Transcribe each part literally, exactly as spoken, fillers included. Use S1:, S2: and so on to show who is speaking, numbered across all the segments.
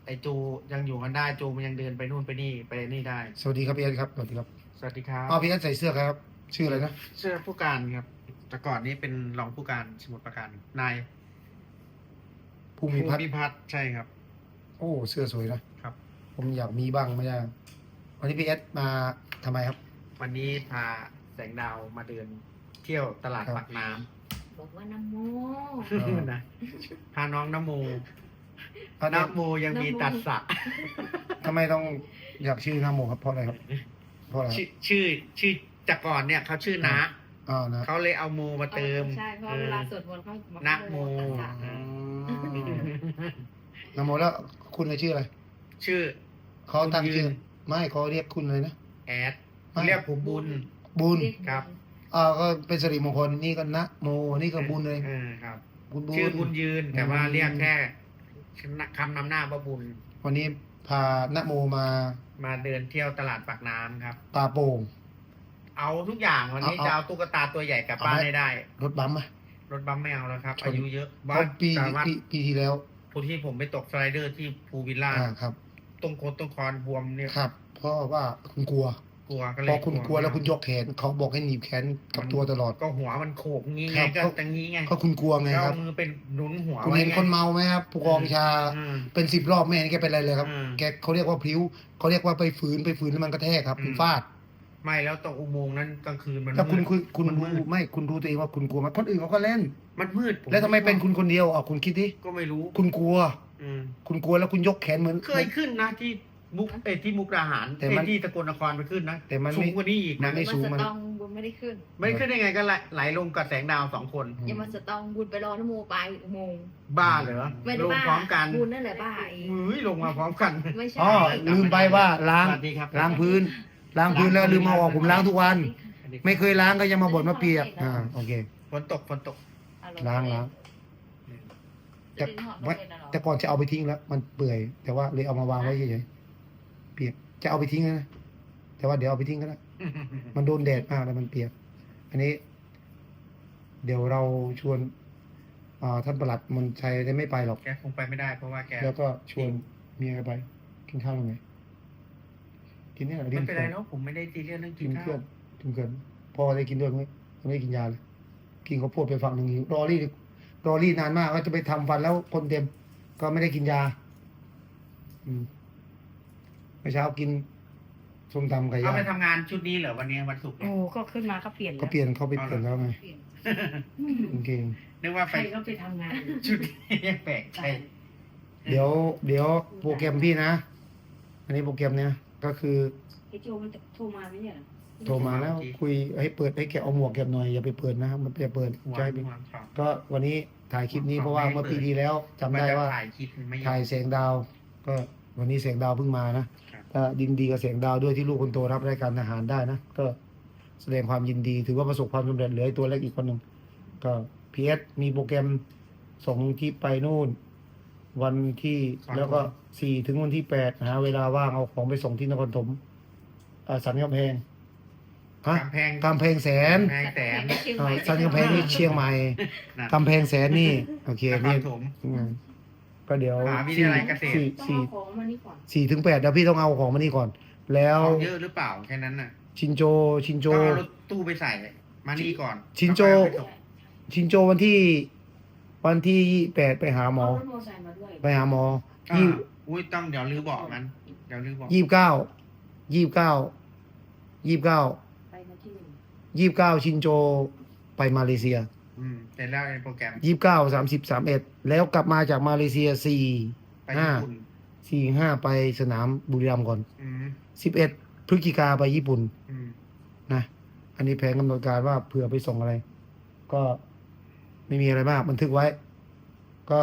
S1: ไอจูยังอยู่กันได้จูมันยังเดินไปนู่นไปนี่ไปนี่ได้
S2: สวัสดีครับพี่เอสครับสวัสดีครับ
S1: สวัสดีครับ
S2: อ๋อพี่เอสใส่เสื้อครับ ชื่ออะไรนะ
S1: เสื้อผู้การครับแต่ก่อนนี้เป็นรองผู้การสมุทรปราการนาย
S2: ภูมิพัฒน์
S1: ภูพัฒน์ใช่ครับ
S2: โอ้เสื้อสวยนะครับ ผมอยากมีบ้างไม่ได้วันนี้พี่เอสมาทำไมครับ
S1: วันนี้พาแสงดาวมาเดินเที่ยวตลาด
S2: ครับ
S1: ปากน้
S3: บอกว่าน้ำโม
S2: เออ
S1: ำ นะพาน้องน้ำโม
S2: เอาเนี่ย
S1: น้ำโมยังมีตัดสะ
S2: ทำไมต้องอยากชื่อน้าโมครับเพราะอะไรครับเพราะอะไรค
S1: ชื่
S2: รับ
S1: อชื่อชื่อจากก่อนเนี่ยเขาชื่อนะ
S2: อ๋อนะ
S1: เขาเลยเอาโมมาเติม
S3: ใช่เพราะเวลาสวดมนต์เขาบอก
S1: นะโม
S3: ตัสสะ
S2: อืมน้าโมแล้วคุณเลยชื่ออะไร
S1: ชื่อ
S2: เขาตั้ง
S1: บุญยื
S2: ชื่อน ไม่เขาเรียกคุณเลยนะ
S1: แอด
S2: ไม่
S1: เรียกผมบุญ
S2: บุญ
S1: ครับ
S2: อ่าก็เป็นสิริมงคลนี่ก็นะโมนี่ก็บุญเลย
S1: เออครับ
S2: บุญบุญ
S1: ชื่อบุญยืน แต่ว่า
S2: อืม
S1: เรียกแค่คำนำหน้าว่าบุญ
S2: วันนี้พานะโมมา
S1: มาเดินเที่ยวตลาดปากน้ำครับ
S2: ตาโป่ง
S1: เอาทุกอย่างวันนี้
S2: เอาเอา
S1: จะเอาตุ๊กตาตัวใหญ่กลับบ้าน
S2: เอาไหม
S1: ให้ได้
S2: รถบัมป์ไหม
S1: รถบัมไม่เอาแล้วครับ
S2: ชน
S1: อายุเยอะ
S2: เพ
S1: บ้า
S2: ราะ
S1: น
S2: ปี
S1: สามารถ
S2: ปีปีที่แล้ว
S1: ผู้ที่ผมไปตกสไลเดอร์ที่ภูวิลล่า
S2: อ่าครับ
S1: ตรงโคนตรงคอนบวมเนี่ย
S2: ครับ เพราะว่าคุณกลัว
S1: กลัวก็เล
S2: พ
S1: ย
S2: อคุณกลัวแล้วคุณยกแขนเขาบอกให้หนีบแขนกับตัวตลอด
S1: ก็หัวมันโขกงี้
S2: ครั
S1: ไง
S2: บ
S1: ก็
S2: ก็
S1: ตรงนี้ไง
S2: ก็คุณกลัวไง
S1: ก็
S2: ครั
S1: เอา
S2: บ
S1: มือเป็นหนุนหัว
S2: คุณ
S1: ไว้
S2: เห็น
S1: ไง
S2: คนเมาไหมครับผู้กองชา
S1: อืม
S2: เป็นสิบรอบไม่เห็นแกเป็นอะไรเลยครับ
S1: อืม
S2: แกเขาเรียกว่าพลิ้วเขาเรียกว่าไปฝืนไปฝืนแล้วมันกระแทกครับ
S1: อืม
S2: มันฟาด
S1: ไม่แล้วตรงอุโมงค์นั้นกลางคืนมัน
S2: ถ้าคุณ
S1: มืด
S2: คุณคุณ
S1: มันมื
S2: รู้
S1: ด
S2: ไม่คุณรู้ตัวเองว่าคุณกลัวไหมคนอื่นเขาก็เล่น
S1: มันมืดผ
S2: แล้วทำไมเป็นคุณคนเดียวอ่ะคุณคิดดิ
S1: ก็ไม่รู้
S2: คุณกลัว
S1: อืม
S2: คุณกลัวแล้วคุณยกแขนเหมือน
S1: เคยขึ้นนะที่มุกเอยที่มุกดาหาร
S2: แต่มัน
S1: เอ้ยที่ตะกนนครไปขึ้นนะ
S2: แต่มัน
S1: สู
S2: ไม่
S1: งกว่านี้อีก
S2: มั
S1: นะ
S2: นไม่ สูง
S3: มาสตองบุญไม่ได้ขึ้น
S1: ไม่ขึ้นได้ไงก็ไหลไหลลงกับแสงดาวสองคน
S2: อืม
S3: อย่ามาสตองบุญไปรอน้ำโมไปอุโมงค์
S1: บ้าเหรอ
S3: ไม่ได้
S1: ลง
S3: บ้า
S1: พร้อมกัน
S3: บุญนั่นแหละบ้าเอง
S1: เฮ้ยลงมาพร้อมกัน
S3: ไม่ใช่
S2: อ๋อลืมไปว่าล้าง
S1: สวัสดีครับ
S2: ล้างพื้น ล้างพื้นแล้วลืมมาออกผมล้างทุกวัน ไม่เคยล้างก็ยังมาบ่นมาเปียกอ่าโอเค
S1: ฝนตกฝนตก
S2: ล้างล้างแต่ว่าแต่ก่อนจะเอาไปทิ้งแล้ว มันเปื่อย แต่ว่าเลยเอามาวางไว้เฉยๆเปียกจะเอาไปทิ้งนะแต่ว่าเดี๋ยวเอาไปทิ้งก็ได้มันโดนแดดมากแล้วมันเปียก อันนี้ เดี๋ยวเราชวนอ่าท่านประหลัดมนชัยได้ไม่ไปหรอก
S1: แกคงไปไม่ได้เพราะว่าแก
S2: แล้วก็ชวนเมียไป กินข้าวยังไงกินเนี่ย
S1: ไม่เป็นไรเนาะผมไม่ได้ตีเรียนเรื่องกิ
S2: กิ
S1: น
S2: น
S1: ข้า
S2: เพื่อ
S1: วน
S2: กินเกินพอได้กินด้วยไหมไม่ได้กินยาเลย กินข้าวโพดไปฝั่งหนึ่งรอรี่รอรี่นานมากว่าจะไปทำฟันแล้วคนเต็ม ก็ไม่ได้กินยา อืมเมื่อเช้ากินส้มตำไก่
S1: เอา
S2: ย่าง
S1: ไปทำงานชุดนี้เหรอวันนี้วันศุกร์
S3: โอ้ก็ขึ้นมาก็เปลี่ยน
S2: ก็เปลี่ยนเขาไปเปลี่ยนแล้วไง
S3: เปลี่ยน
S2: โอเค
S1: นึกว่า
S3: ใค
S1: ไป
S3: รก็ไปทำงาน
S1: ชุดนี้ยังแปลกใจ
S2: เดี๋ยว เดี๋ยวโปรแกรมพี่นะ อันนี้โปรแกรมเนี้ยก็คือ
S3: ไอ้โจมันโทรมาไหมเนี่ย
S2: โทรมาแล้วคุยให้เปิดให้แกเอาหมวกแกหน่อยอย่าไปเปิดนะมันจะเปิด
S1: หัว
S2: ใช่ไหม
S1: หัวครับ
S2: ก็วันนี้ถ่ายคลิปนี้เพราะว่าเมื่อปีที่แล้วจำได้ว่า
S1: ถ่ายคลิปไม่
S2: ถ่ายแสงดาว ก็วันนี้แสงดาวเพิ่งมานะก็ยินดีกับแสงดาวด้วยที่ลูกคนโตรับรายการทหารได้นะ ก็แสดงความยินดีถือว่าประสบความสำเร็จเหลือไอ้ตัวเล็กอีกคนหนึ่งก็พีเอสมีโปรแกรมส่งที่ไปนู่น วันที่แล้วก็สี่ถึงวันที่แปดหาเวลาว่างเอาของไปส่งที่นครปฐมอ่าสันกำแพงฮะ
S1: กำแพง
S2: กำแพงแสน
S1: กำแพงแสน
S2: อ่าสันกำแพงนี่เชียงใหม่
S1: นะ
S2: กำแพงแสนนี่โอเคน
S1: คร
S2: นี่
S1: ปฐม
S2: อืมก็เดี๋ยว
S1: มหาวิทยาลัยเกษตร
S2: สี่
S3: ต้อง
S2: สี่
S3: เอาของมานี่ก่อน
S2: สี่ถึงแปดเดี๋ยวพี่ต้องเอาของมานี่ก่อน แล้ว
S1: ของเยอะหรือเปล่าแค่นั้นน่ะ
S2: ชินโจชินโจ
S1: ต้องเอารถตู้ไปใส่มานี่ก่อน
S2: ชินโจ
S1: แล้วค่อยเอาไปส่ง
S2: ชินโจวันที่ วันที่แปดไปหาหมอ
S3: เอารถมอเตอร์ไซค์มาด้วย
S2: ไปหาหมอ
S1: อ่า
S2: ยี่
S1: อุ้ยต้องเดี๋ยวรื้อเบอกมันเดี๋ยวรื้อเบอก
S2: ยี่สิบเก้ายี่สิบเก้ายี่สิบเก้า
S3: ไปมาที่หนึ่ง
S2: ยี่สิบเก้าชินโจไปมาเลเซีย
S1: อืมเสร็จแล้วไอ้โปรแกรม
S2: ยี่สิบเก้าสามสิบสามเอ็ดแล้วกลับมาจากมาเลเซียสี่
S1: ไป
S2: ห้า
S1: ญี่ปุ่น
S2: สี่ห้าไปสนามบุรีรัมย์ก่อน
S1: อืม
S2: สิบเอ็ดพฤศจิกาไปญี่ปุ่น
S1: อืม
S2: นะ อันนี้แผนกำหนดการว่าเผื่อไปส่งอะไร ก็ไม่มีอะไรมากบันทึกไว้ ก็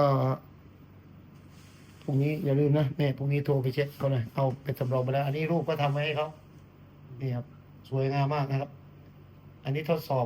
S2: พรุ่งนี้อย่าลืมนะเนี่ยพรุ่งนี้โทรไปเช็คเขาหน่อยเอาไปสำรองไปแล้ว อันนี้รูปก็ทำไว้ให้เขานี่ครับ สวยงามมากนะครับ อันนี้ทดสอบ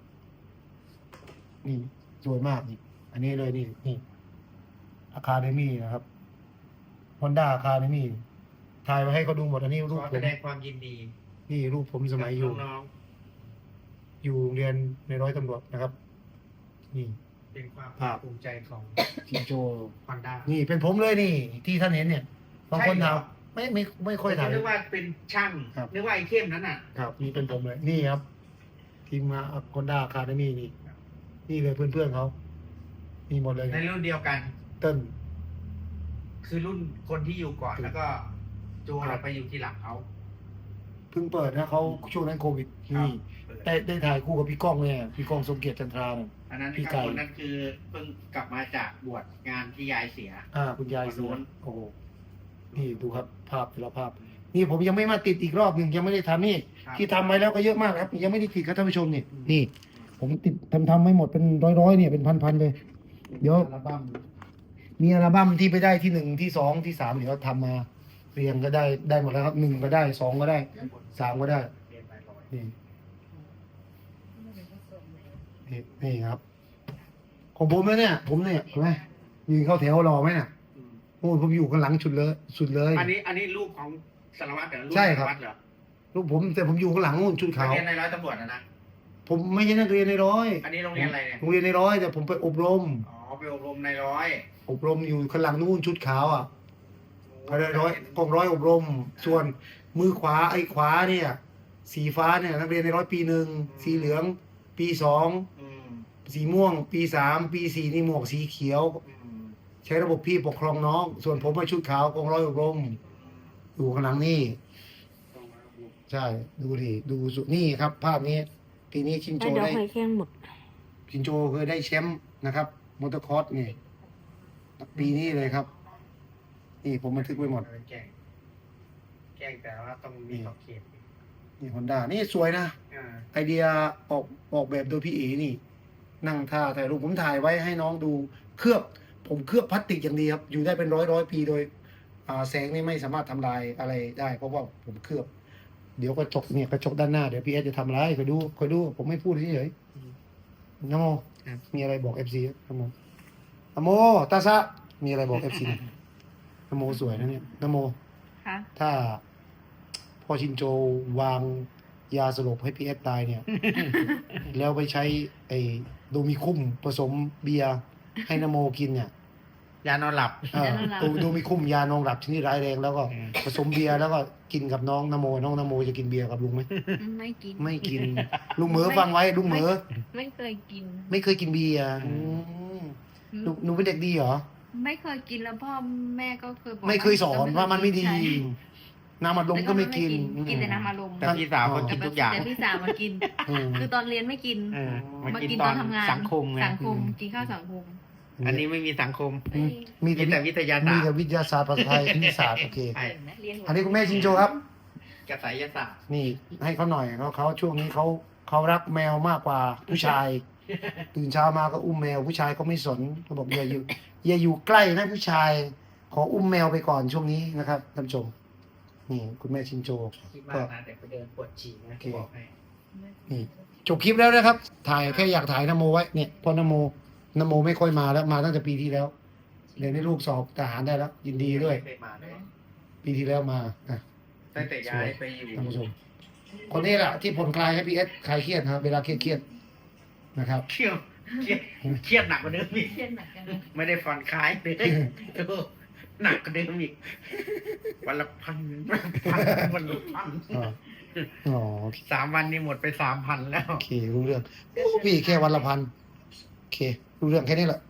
S2: นี่สวยมากนี่ อันนี้เลยนี่นี่อาคาเดมี่นะครับฮอนด้าอาคาเดมี่ถ่ายไว้ให้เขาดูหมด อันนี้รูป
S1: ขอ
S2: ผ
S1: แส
S2: ม
S1: ดงความยินดี
S2: นี่รูปผมสมัยอยู่
S1: น้อง
S2: อยู่โรงเรียนในร้อยตำรวจนะครับ นี่
S1: ๆเป็นความ
S2: ภาพ
S1: ภูมิใจของ
S2: ชินโจ
S1: ฮอนด้า
S2: นี่เป็นผมเลยนี่ ที่ท่านเห็นเนี่ยบางคนถามไม่ไม่ไม่ค่อยถ่าย
S1: นึกว่าเป็นช่าง
S2: ครับ
S1: นึกว่าไอ้เข้มนั้นอ่ะ
S2: ครับนี่เป็นผมเลย นี่ครับ ทีมงานคอนด้าคาเดมี่นี่ นี่เลยเพื่อนๆเขามีหมดเลย
S1: ในรุ่นเดียวกัน
S2: เติ้ล
S1: คือรุ่นคนที่อยู่ก่อน
S2: ครับ
S1: แล้วก็โจเราไปอยู่ที่หลังเขา
S2: เพิ่งเปิดนะเขาช่วงนั้นโควิด
S1: ครับ
S2: นี่ได้ได้ถ่ายคู่กับพี่ก้องเนี่ยพี่ก้องสมเกียรติจันทราเนี่ย
S1: อันนั้น
S2: พี่
S1: ครับ
S2: ไก่
S1: คนนั้นคือเพิ่งกลับมาจากบวชงานที่ยายเสีย
S2: อ่าคุณยาย
S1: คน
S2: เสี
S1: นู้
S2: ย
S1: น
S2: โอ้โหนี่ดูครับภาพแต่ละภาพ นี่ผมยังไม่มาติดอีกรอบหนึ่งยังไม่ได้ทำนี่
S1: ครับ
S2: ที่ทำไว้แล้วก็เยอะมากครับ ยังไม่ได้ติดครับท่านผู้ชมนี่นี่ ผมติดทำทำไม่หมดเป็นร้อยๆเนี่ยเป็นพันๆเลย เดี๋ยว
S1: อัลบั้ม
S2: มีอัลบั้มที่ไปได้ที่หนึ่งที่สองที่สามเดี๋ยวทำมาเรียงก็ได้ได้หมดแล้วครับหนึ่งก็ได้สองก็ได้สามก็ได้
S1: เรียนไปร้อย
S2: นี่นี่นี่ครับ ของผมนะเนี่ย ผมเนี่ยเห็นไหมยืนเข้าแถวรอไหมเนี่ย
S1: อืม
S2: โอ้ยผมอยู่ข้างหลังสุดเลยสุดเลย
S1: อันนี้อันนี้รูปของสารวัตรเหรอรูป
S2: ใช่ครับ
S1: สารวัตรเหรอ
S2: ลูกผมแต่ผมอยู่ข้างหลังนู่นชุด
S1: นั
S2: ขาก ว
S1: เรียนในร้อยตำรวจนะนะ
S2: ผมไม่ใช่นักเรียนในร้อย
S1: อันนี้โรงเรียนอะไรเนี่ย
S2: โรงเรียนในร้อยแต่ผมไปอบรม
S1: อ๋อไปอบรมในร้อย
S2: อบรมอยู่ข้างหลังนู่นชุดขาวอ่ะก็ได้ร้อยกองร้อยอบรม ส่วนมือขวาไอ้ขวาเนี่ย สีฟ้าเนี่ยนักเรียนในร้อยปีหนึ่งสีเหลือง ปีสอง
S1: อืม
S2: สีม่วง ปีสามปีสี่นี่หมวกสีเขียว
S1: อืม
S2: ใช้ระบบพี่ปกครองน้อง ส่วนผมไปชุดขาวกองร้อยอบรม อยู่ข้างหลังนี่
S1: ต้องมาอบรม
S2: ใช่ดูดิดูสุนี่ครับ ภาพนี้ปีนี้ชินโจ
S3: เดี๋ยว
S2: ได้
S3: หอยแข้งหมด
S2: ชินโจเคยได้แชมป์นะครับมอเตอร์คอร์สนี่ปีนี้เลยครับ นี่ผมบันทึกไว้หมด
S1: แกล้งแกล้งแต่ว่าต้องมีขอบเขต
S2: นี่ฮอนด้านี่สวยนะ
S1: อ่า
S2: ไอเดียออกออกแบบโดยพี่เอนี่ นั่งท่าถ่ายรูปผมถ่ายไว้ให้น้องดูเคลือบ ผมเคลือบพลาสติกอย่างดีครับ อยู่ได้เป็นร้อยร้อยปีโดย อ่าแสงนี่ไม่สามารถทำลายอะไรได้ เพราะว่าผมเคลือบ เดี๋ยวกระจกเนี่ยกระจกด้านหน้าเดี๋ยวพี่เอสจะทำอะไรคอยดูคอยดู ผมไม่พูดเฉยๆนโมมีอะไรบอกเอฟซีนโมนโมตาซะมีอะไรบอกเอฟซีนโมสวยนะเนี่ยนโม
S3: ค่ะ
S2: ถ้าพ่อชินโจวางยาสลบให้พี่เอสตายเนี่ย แล้วไปใช้ไอ้โดมิคุ้มผสมเบียร์ให้นโมกินเนี่ย
S1: ยานอนหลับ
S2: เออโดโดมิคุ้มยานอนหลับชนิดร้ายแรงแล้วก็
S1: อืม
S2: ผสมเบียร์แล้วก็กินกับน้องนโม น้องนโมจะกินเบียร์กับลุงไหม
S3: ไม่กิน
S2: ไม่กิน ลุงเหมอฟังไว้ลุงเหมอ
S3: ไม่เคยกิน
S2: ไม่เคยกินเบียร์อืมหนูหนูเป็นเด็กดีเหรอ
S3: ไม่เคยกินแล้วพ่อแม่ก็เคยบอก
S2: ไม่เคยสอนว่ามันไม่ดี
S3: ใช่
S2: น้ำอัดลมก็ไม่กิน
S3: กินแต่น้ำอารมณ์
S1: แต่พี่สาวก็กินทุกอย่าง
S3: แต่พี่สาวมากิน
S2: อืม
S3: คือตอนเรียนไม่กิน
S1: เออมา
S3: มา
S1: กิน
S3: กิน
S1: ต
S3: ต
S1: อ
S3: อน นทำงาน
S1: สังคมไง
S3: สังคมกินข้าวสังคม
S1: อันนี้ไม่มีสังคม
S2: อืมมี
S1: มี
S2: แต่
S1: แต่วิทยา
S2: มี
S1: ศาสต
S2: แต่
S1: ร์
S2: วิทยาศาสตร์ภาษาไทยคณิตศาสตร์โอเค
S1: ใช่
S3: เห็นไหมเรียนหัว
S2: อันนี้คุณแม่ชินโจครับ
S1: กระสายศาสตร์
S2: นี่ให้เขาหน่อยเขาเขาช่วงนี้เขาเขารักแมวมากกว่าผู้ชาย ตื่นเช้ามาก็อุ้มแมวผู้ชายก็ไม่สนเขาบอกอย่าอยู่อย่าอยู่ใกล้นะผู้ชาย ขออุ้มแมวไปก่อนช่วงนี้นะครับท่านผู้ชมนี่คุณแม่ชินโจ
S1: คิดมากนะแต่ไปเดินปวดฉี่นะบอกให้
S2: นี่จบคลิปแล้วนะครับ ถ่ายแค่อยากถ่ายนโมไว้เนี่ยเพอนโมนโมไม่ค่อยมาแล้วมาตั้งแต่ปีที่แล้วเดี๋ยวนี้ลูกสอบทหารได้แล้ว ยินดีด้วย
S1: ไม่เคยมาเลย
S2: ปีที่แล้วมาอ่ะ
S1: ตั้งแต่ย้ายไปอยู่
S2: ท่านผู้ชม คนนี้แหละที่ผ่อนคลายให้พีเอสคลายเครียดนะครับเวลาเครียดเครียดๆนะครับ
S1: เครียดเครียดเครียดหนักกว่าเดิมอีก
S3: เรียนหนักกันเลย
S1: ไม่ได้ผ่อนคลายเลยโอ้หนักกว่าเดิมอีกวันละพันพันวันละพัน
S2: อ๋ออ๋อ
S1: สามวันนี้หมดไปสามพันแล้ว
S2: โอเครู้เรื่องโอ้พี่แค่วันละพันโอเครู้เรื่องแค่นี้แหละ